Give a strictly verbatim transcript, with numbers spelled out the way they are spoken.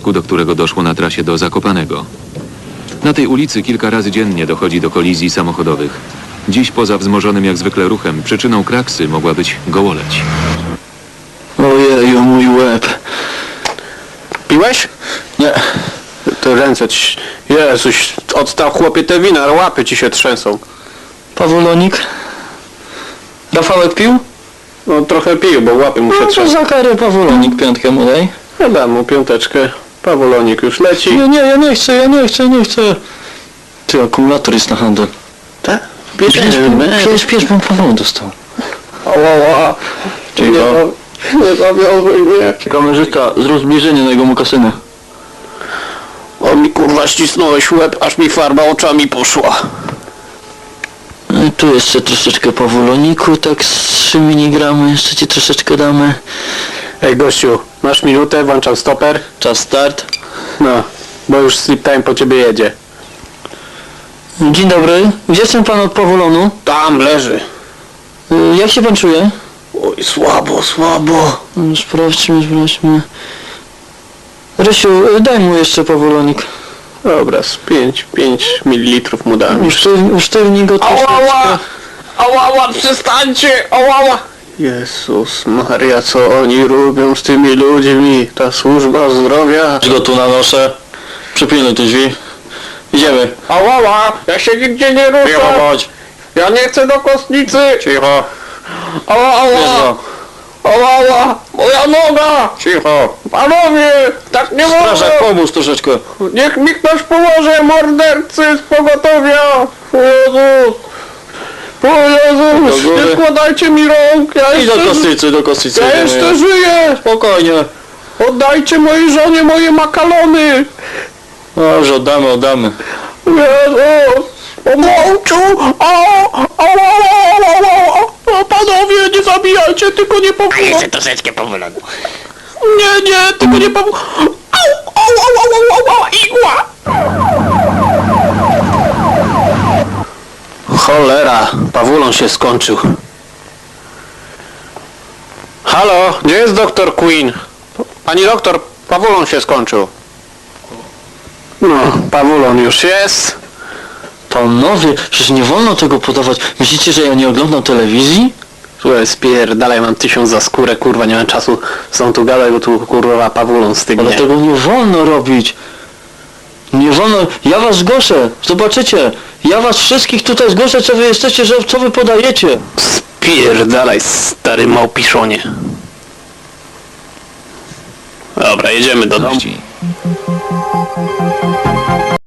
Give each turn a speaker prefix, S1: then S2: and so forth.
S1: wypadku, do którego doszło na trasie do Zakopanego. Na tej ulicy kilka razy dziennie dochodzi do kolizji samochodowych. Dziś poza wzmożonym jak zwykle ruchem przyczyną kraksy mogła być gołoleć.
S2: Ojeju, mój łeb.
S3: Piłeś?
S2: Nie.
S3: Te ręce ci... Jezuś, odstał chłopie te wina, łapy ci się trzęsą.
S2: Pawulonik? Rafałek pił?
S3: No trochę pił, bo łapy mu się
S2: No to
S3: trzęsą.
S2: za karę Pawulonik piątkę mu daj.
S3: Ja dam mu piąteczkę. Pawulonik już leci.
S2: Nie, nie, ja nie chcę, ja nie chcę, nie chcę. Ty, akumulator jest na handel.
S3: Tak?
S2: Piesz, piesz, piesz, bo Paweł dostał.
S3: Ała, nie,
S2: Cicho.
S3: nie zawiązuj mnie.
S2: Kamerzysta, zrób zbliżenie na jego mokasynę.
S3: O mi kurwa ścisnąłeś łeb, aż mi farba oczami poszła.
S2: No tu jeszcze troszeczkę Pawuloniku, tak z trzy miligramy, jeszcze ci troszeczkę damy.
S3: Ej gościu, masz minutę, włączam stoper.
S2: Czas start.
S3: No, bo już sleep time po ciebie jedzie.
S2: Dzień dobry, gdzie jest ten pan od Pawulonu?
S3: Tam leży.
S2: Y, Jak się pan czuje?
S3: Oj, słabo, słabo.
S2: No, Sprawdźmy, sprawdźmy. Rysiu, y, daj mu jeszcze Pawulonik.
S3: Dobra, z pięć, pięć mililitrów mu dam.
S2: Usztyw, usztywnij go troszeczkę.
S3: Ałała, przestańcie! Ałała! Jezus Maria, co oni robią z tymi ludźmi? Ta służba zdrowia.
S2: Go tu nanoszę. Przypilnuj te drzwi. Idziemy.
S3: Ałała! Ja się nigdzie nie ruszę!
S2: Cicho bądź.
S3: Ja nie chcę do kostnicy!
S2: Cicho.
S3: Ała, ała!
S2: Cicho.
S3: Ała! Moja noga!
S2: Cicho.
S3: Panowie! Tak nie wolno!
S2: Strażak, pomóż troszeczkę.
S3: Niech mi ktoś pomoże! Mordercy z pogotowia! O Jezus! O Jezus!
S2: Do góry.
S3: Nie składajcie mi rąk! Ja
S2: Idź do
S3: jeszcze,
S2: kostnicy, do kostnicy.
S3: ja
S2: idziemy.
S3: jeszcze żyję!
S2: Spokojnie.
S3: Oddajcie mojej żonie moje makalony!
S2: Dobrze, oddamy, oddamy.
S3: Jezus! Pomączu! O! O! O! Panowie, nie zabijajcie, tylko nie powolą!
S4: A jeszcze troszeczkę powolony.
S3: Nie, nie, tylko nie powolą! Au! Au! Au! Au! Au! Au! Igła! Cholera, Pawulon się skończył. Halo, gdzie jest doktor Queen? Pani doktor, Pawulon się skończył. No, Pawulon już jest.
S2: Panowie, przecież nie wolno tego podawać. Myślicie, że ja nie oglądam telewizji?
S3: Słuchaj, spierdalaj, mam tysiąc za skórę, kurwa, nie mam czasu są tu gadać, bo tu kurwa Pawulon stygnie.
S2: Ale tego nie wolno robić. Nie wolno. Ja was zgłoszę. Zobaczycie. Ja was wszystkich tutaj zgłoszę, co wy jesteście, że co wy podajecie.
S3: Spierdalaj, stary małpiszonie. Dobra, jedziemy do domu.
S1: Gości.